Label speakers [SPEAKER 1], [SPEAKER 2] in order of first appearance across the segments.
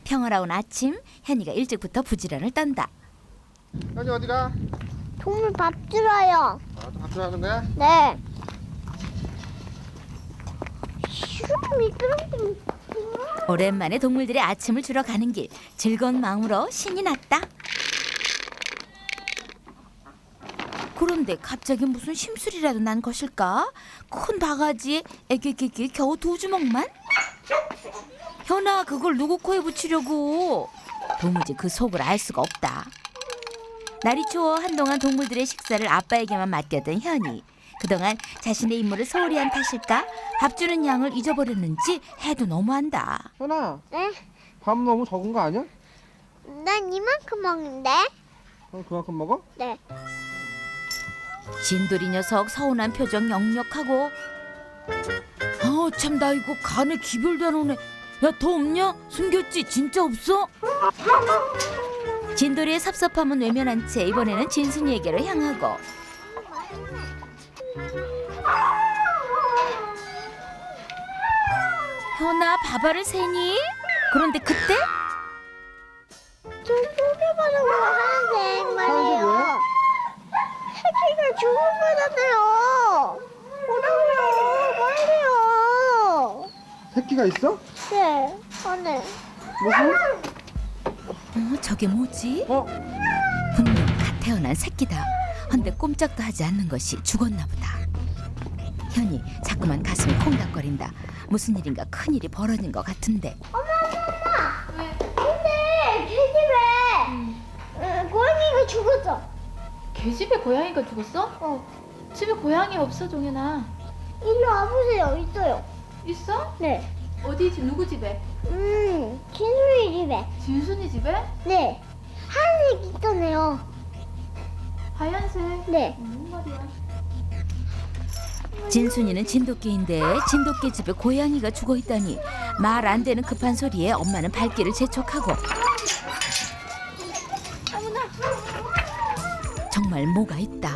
[SPEAKER 1] 평화로운 아침, 현이가 일찍부터 부지런을 떤다.
[SPEAKER 2] 현이 어디가?
[SPEAKER 3] 동물 밥 주러요.
[SPEAKER 2] 아, 밥 주라는 거야?
[SPEAKER 3] 네. 미끄럼틀.
[SPEAKER 1] 오랜만에 동물들의 아침을 주러 가는 길, 즐거운 마음으로 신이 났다. 그런데 갑자기 무슨 심술이라도 난 것일까? 큰 바가지에 애기끼끼 겨우 2주먹만? 현아, 그걸 누구 코에 붙이려고? 도무지 그 속을 알 수가 없다. 날이 추워 한동안 동물들의 식사를 아빠에게만 맡겼던 현이. 그동안 자신의 임무를 소홀히 한 탓일까? 밥 주는 양을 잊어버렸는지 해도 너무한다.
[SPEAKER 2] 현아,
[SPEAKER 3] 네.
[SPEAKER 2] 밥 너무 적은 거 아니야?
[SPEAKER 3] 난 이만큼 먹는데.
[SPEAKER 2] 그럼 그만큼 먹어?
[SPEAKER 3] 네.
[SPEAKER 1] 진돌이 녀석 서운한 표정 역력하고. 참, 나 이거 간에 기별도 안 오네. 야, 더 없냐? 숨겼지? 진짜 없어? 진돌이의 섭섭함은 외면한 채 이번에는 진순이에게로 향하고. 현아, 밥알을 세니? 그런데 그때
[SPEAKER 3] 저 소개받은 거 하얀색 말이에요.
[SPEAKER 2] 뭐야?
[SPEAKER 3] 새끼가 죽은 거잖아요. 뭐라고요? 빨리요.
[SPEAKER 2] 새끼가 있어?
[SPEAKER 3] 네. 안에.
[SPEAKER 2] 무슨?
[SPEAKER 1] 저게 뭐지? 분명 갓 태어난 새끼다. 헌데 꼼짝도 하지 않는 것이 죽었나 보다. 현이 자꾸만 가슴이 콩닥거린다. 무슨 일인가 큰일이 벌어진 것 같은데.
[SPEAKER 3] 근데 계집애 고양이가 죽었어.
[SPEAKER 4] 개집에 고양이가 죽었어? 집에 고양이 없어, 종현아.
[SPEAKER 3] 일로 와보세요. 있어요.
[SPEAKER 4] 있어?
[SPEAKER 3] 네.
[SPEAKER 4] 어디 집, 누구 집에?
[SPEAKER 3] 진수이 집에.
[SPEAKER 4] 진순이 집에?
[SPEAKER 3] 네. 하얀색 있잖아요.
[SPEAKER 4] 하얀색.
[SPEAKER 3] 네.
[SPEAKER 4] 무슨 말이야?
[SPEAKER 1] 진순이는 진돗개인데 진돗개 집에 고양이가 죽어 있다니. 말 안 되는 급한 소리에 엄마는 발길을 재촉하고. 정말 뭐가 있다.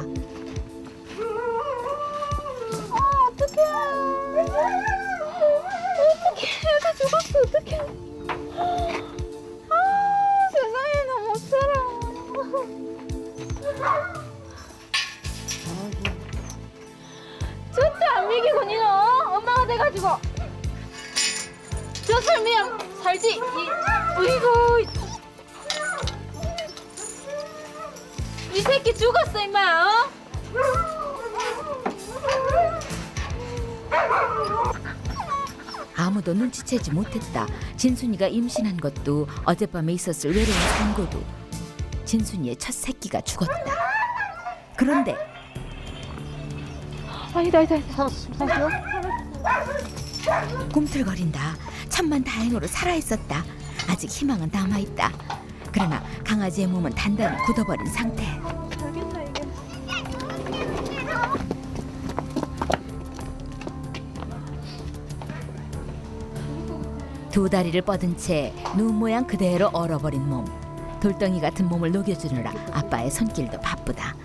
[SPEAKER 3] 어떡해. 애가 죽었어. 어떡해. 세상에 나 못 살아.
[SPEAKER 4] 진짜 안 믿기고 니는 엄마가 돼가지고 저 삶이야 살지. 어이구, 이 새끼 죽었어 임마.
[SPEAKER 1] 아무도 눈치채지 못했다. 진순이가 임신한 것도 어젯밤에 있었을 외로운 산고도 진순이의 첫 새끼가 죽었다. 그런데
[SPEAKER 4] 아니다.
[SPEAKER 2] 살았어?
[SPEAKER 1] 꿈틀거린다. 천만 다행으로 살아있었다. 아직 희망은 남아있다. 그러나 강아지의 몸은 단단히 굳어버린 상태.
[SPEAKER 4] 알겠나 이게.
[SPEAKER 1] 두 다리를 뻗은 채 눈 모양 그대로 얼어버린 몸. 돌덩이 같은 몸을 녹여주느라 아빠의 손길도 바쁘다.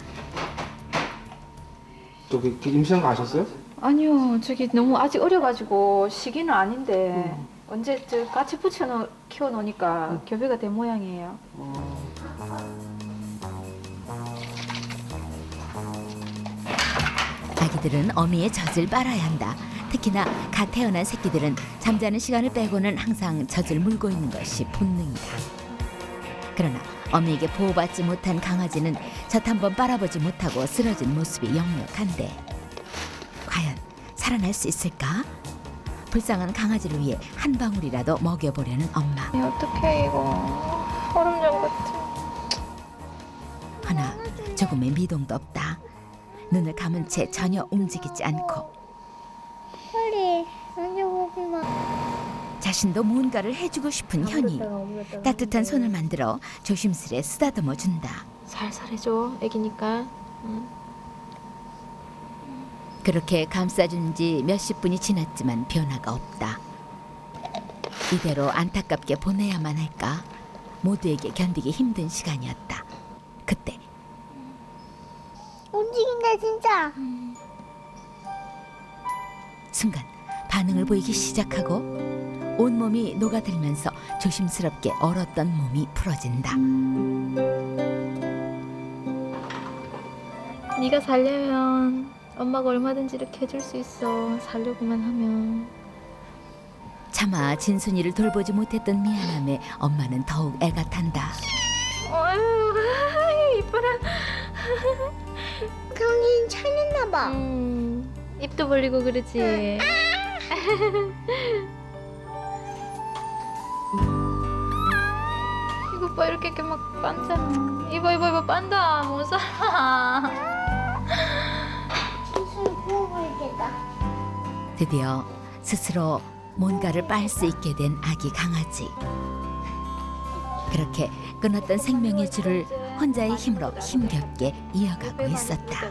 [SPEAKER 2] 저기 임신한 거 아셨어요?
[SPEAKER 4] 아니요, 저기 너무 아직 어려가지고 시기는 아닌데 언제 저 같이 키워놓으니까 교배가 된 모양이에요.
[SPEAKER 1] 아기들은 어미의 젖을 빨아야 한다. 특히나 갓 태어난 새끼들은 잠자는 시간을 빼고는 항상 젖을 물고 있는 것이 본능이다. 그러나 어미에게 보호받지 못한 강아지는 젖 한 번 빨아보지 못하고 쓰러진 모습이 역력한데 과연 살아날 수 있을까? 불쌍한 강아지를 위해 한 방울이라도 먹여보려는 엄마.
[SPEAKER 4] 어떡해 이거. 얼음장 같아.
[SPEAKER 1] 하나 조금의 미동도 없다. 눈을 감은 채 전혀 움직이지 않고
[SPEAKER 3] 빨리 만져보지 마.
[SPEAKER 1] 자신도 무언가를 해주고 싶은 현이 따뜻한 손을 만들어 조심스레 쓰다듬어 준다.
[SPEAKER 4] 살살 해줘, 애기니까.
[SPEAKER 1] 그렇게 감싸준 지 몇십 분이 지났지만 변화가 없다. 이대로 안타깝게 보내야만 할까? 모두에게 견디기 힘든 시간이었다. 그때
[SPEAKER 3] 움직인다 진짜.
[SPEAKER 1] 순간 반응을 보이기 시작하고 온몸이 녹아들면서 조심스럽게 얼었던 몸이 풀어진다.
[SPEAKER 4] 네가 살려면 엄마가 얼마든지 이렇게 해줄 수 있어. 살려고만 하면.
[SPEAKER 1] 차마 진순이를 돌보지 못했던 미안함에 엄마는 더욱 애가 탄다.
[SPEAKER 4] 어휴, 이뻐라.
[SPEAKER 3] 정신 차렸나 봐.
[SPEAKER 4] 입도 벌리고 그러지. 이거 봐, 이렇게 막 빤잖아. 이봐, 빤다. 못 살아.
[SPEAKER 3] 무슨 구워버리겠다.
[SPEAKER 1] 드디어 스스로 뭔가를 빨 수 있게 된 아기 강아지. 그렇게 끊었던 생명의 줄을 혼자의 힘으로 힘겹게 이어가고 있었다.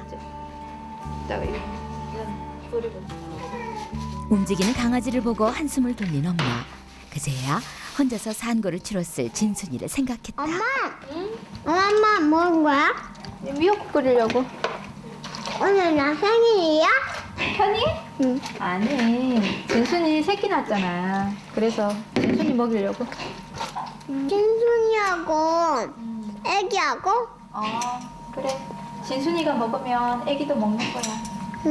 [SPEAKER 1] 움직이는 강아지를 보고 한숨을 돌린 엄마. 그제야 혼자서 산고를 치렀을 진순이를 생각했다.
[SPEAKER 3] 엄마 먹은 거야?
[SPEAKER 4] 미역국 끓이려고.
[SPEAKER 3] 오늘 나 생일이야?
[SPEAKER 4] 현이?
[SPEAKER 3] 응.
[SPEAKER 4] 아니, 진순이 새끼 낳았잖아. 그래서 진순이 먹이려고.
[SPEAKER 3] 진순이하고 애기하고?
[SPEAKER 4] 그래. 진순이가 먹으면 애기도 먹는 거야.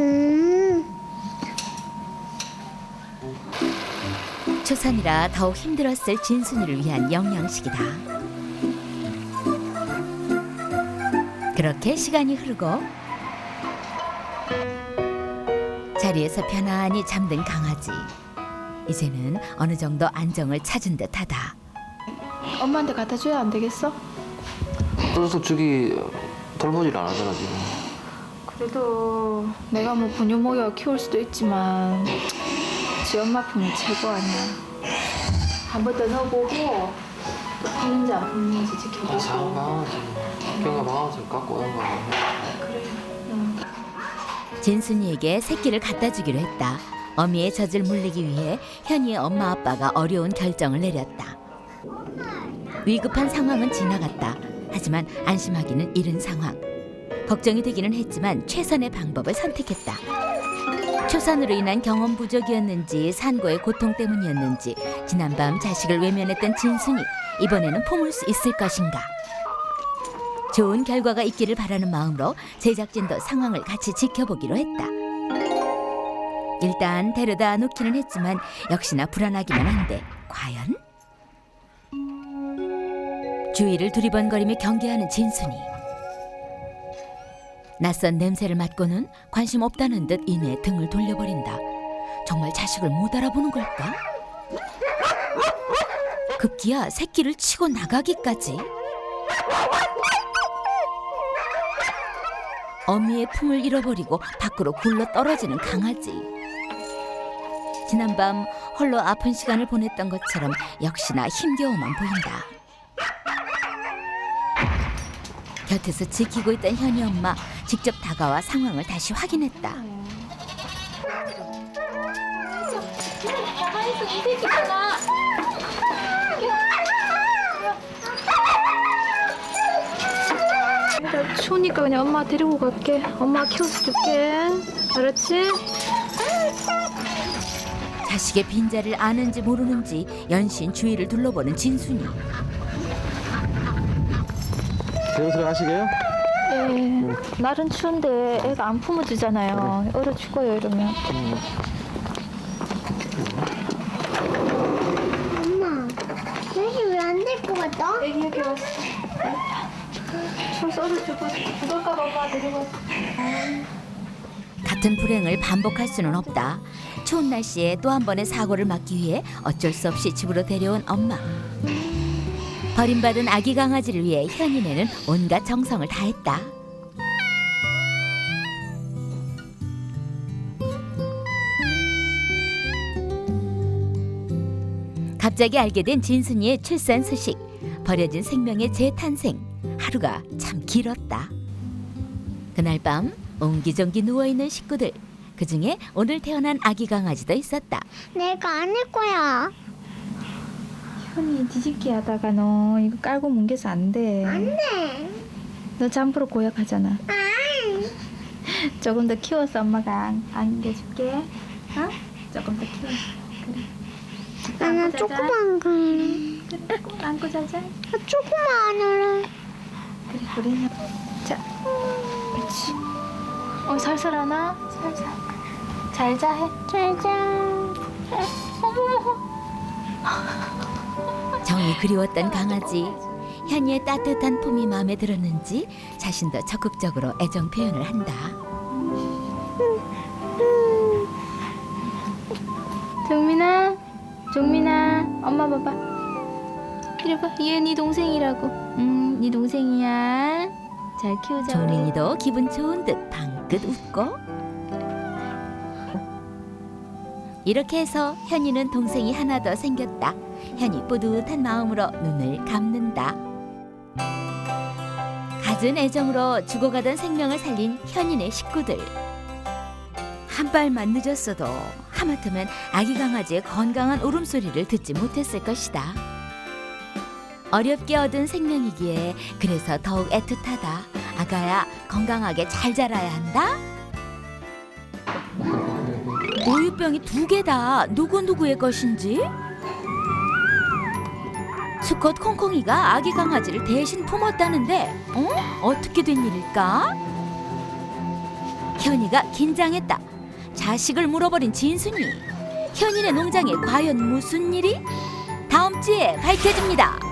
[SPEAKER 1] 초산이라 더욱 힘들었을 진순이를 위한 영양식이다. 그렇게 시간이 흐르고 자리에서 편안히 잠든 강아지. 이제는 어느 정도 안정을 찾은 듯하다.
[SPEAKER 4] 엄마한테 갖다 줘야 안 되겠어?
[SPEAKER 5] 그래서 저기 돌보질 안 하잖아 지금.
[SPEAKER 4] 그래도 내가 뭐 분유먹여 키울 수도 있지만 지 엄마 품이 최고 아니야. 한 번 더 넣어보고 또 푸는지 안 푸는지
[SPEAKER 5] 아, 작은
[SPEAKER 4] 지켜보고.
[SPEAKER 5] 강아지. 걔가 강아지 갖고 오는 거야.
[SPEAKER 4] 그래. 응.
[SPEAKER 1] 진순이에게 새끼를 갖다 주기로 했다. 어미의 젖을 물리기 위해 현이의 엄마 아빠가 어려운 결정을 내렸다. 위급한 상황은 지나갔다. 하지만 안심하기는 이른 상황. 걱정이 되기는 했지만 최선의 방법을 선택했다. 초산으로 인한 경험 부족이었는지 산고의 고통 때문이었는지 지난밤 자식을 외면했던 진순이 이번에는 품을 수 있을 것인가. 좋은 결과가 있기를 바라는 마음으로 제작진도 상황을 같이 지켜보기로 했다. 일단 데려다 놓기는 했지만 역시나 불안하기만 한데 과연? 주위를 두리번거리며 경계하는 진순이. 낯선 냄새를 맡고는 관심 없다는 듯 이내 등을 돌려버린다. 정말 자식을 못 알아보는 걸까? 급기야 새끼를 치고 나가기까지. 어미의 품을 잃어버리고 밖으로 굴러 떨어지는 강아지. 지난밤 홀로 아픈 시간을 보냈던 것처럼 역시나 힘겨워만 보인다. 곁에서 지키고 있던 현이 엄마 직접 다가와 상황을 다시 확인했다.
[SPEAKER 4] 가만히 있어, 이 새끼잖아. 내가 추우니까 그냥 엄마 데리고 갈게. 엄마 키워서 줄게. 알았지?
[SPEAKER 1] 자식의 빈자를 아는지 모르는지 연신 주위를 둘러보는 진순이.
[SPEAKER 2] 대우스를 하시게요?
[SPEAKER 4] 네. 날은 추운데 애가 안 품어주잖아요. 얼어 죽어요 이러면.
[SPEAKER 3] 엄마, 여기 왜 안 될 것 같아?
[SPEAKER 4] 애기 여기 왔어. 추워서 얼어 죽을까봐 엄마 데리고 왔어.
[SPEAKER 1] 같은 불행을 반복할 수는 없다. 추운 날씨에 또 한 번의 사고를 막기 위해 어쩔 수 없이 집으로 데려온 엄마. 버림받은 아기 강아지를 위해 현인애는 온갖 정성을 다했다. 갑자기 알게 된 진순이의 출산 소식. 버려진 생명의 재탄생. 하루가 참 길었다. 그날 밤 옹기종기 누워있는 식구들. 그중에 오늘 태어난 아기 강아지도 있었다.
[SPEAKER 3] 내가 안 할 거야.
[SPEAKER 4] 현이 뒤집기 하다가 너 이거 깔고 뭉개서 안 돼.
[SPEAKER 3] 안 돼.
[SPEAKER 4] 너 잠프로 고약하잖아.
[SPEAKER 3] 안.
[SPEAKER 4] 조금 더 키워서 엄마가 안겨줄게. 어? 조금 더 키워서. 그래.
[SPEAKER 3] 나 조그만 거.
[SPEAKER 4] 그래, 꼭 안고 자자.
[SPEAKER 3] 나 조그만 하늘래.
[SPEAKER 4] 그래, 우리는. 자, 그렇지. 살살 하나? 살살. 잘 자, 해.
[SPEAKER 3] 짜잔.
[SPEAKER 1] 정이 그리웠던 강아지. 현이의 따뜻한 품이 마음에 들었는지 자신도 적극적으로 애정 표현을 한다.
[SPEAKER 4] 종민아, 엄마 봐봐. 이리 봐, 얘 네 동생이라고. 네 동생이야. 잘 키우자.
[SPEAKER 1] 종민이도 기분 좋은 듯 방긋 웃고. 이렇게 해서 현이는 동생이 하나 더 생겼다. 현이 뿌듯한 마음으로 눈을 감는다. 갖은 애정으로 죽어가던 생명을 살린 현인의 식구들. 한 발만 늦었어도 하마터면 아기 강아지의 건강한 울음소리를 듣지 못했을 것이다. 어렵게 얻은 생명이기에 그래서 더욱 애틋하다. 아가야, 건강하게 잘 자라야 한다. 우유병이 2개다. 누구의 것인지? 수컷 콩콩이가 아기 강아지를 대신 품었다는데 어떻게 된 일일까? 현이가 긴장했다. 자식을 물어버린 진순이. 현이네 농장에 과연 무슨 일이? 다음 주에 밝혀집니다.